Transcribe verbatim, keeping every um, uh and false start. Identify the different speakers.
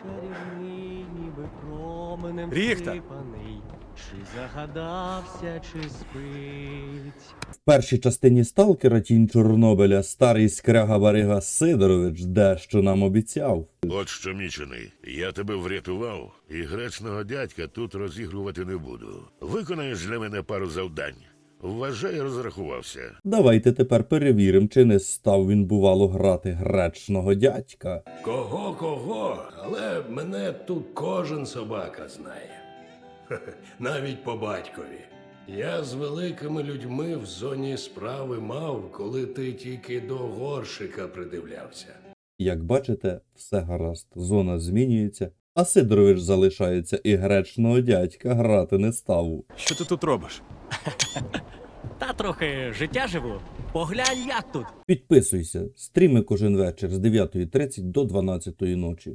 Speaker 1: чарівний, ніби променем
Speaker 2: Ріхта!
Speaker 1: всипаний. Чи загадався, чи спить.
Speaker 3: В першій частині «Сталкера. Тінь Чорнобиля» старий скряга-барига Сидорович дещо нам обіцяв.
Speaker 4: От що, мічений, я тебе врятував, і гречного дядька тут розігрувати не буду. Виконаєш для мене пару завдань. Вважай, розрахувався.
Speaker 3: Давайте тепер перевіримо, чи не став він, бувало, грати гречного дядька.
Speaker 5: Кого-кого, але мене тут кожен собака знає. Хе-хе, навіть по батькові. Я з великими людьми в зоні справи мав, коли ти тільки до горшика придивлявся.
Speaker 3: Як бачите, все гаразд, зона змінюється, а Сидорович залишається і гречного дядька грати не став.
Speaker 2: Що ти тут робиш?
Speaker 1: Та трохи життя живу. Поглянь, як тут.
Speaker 3: Підписуйся, стріми кожен вечір з дев'ятої тридцять до дванадцятої ночі.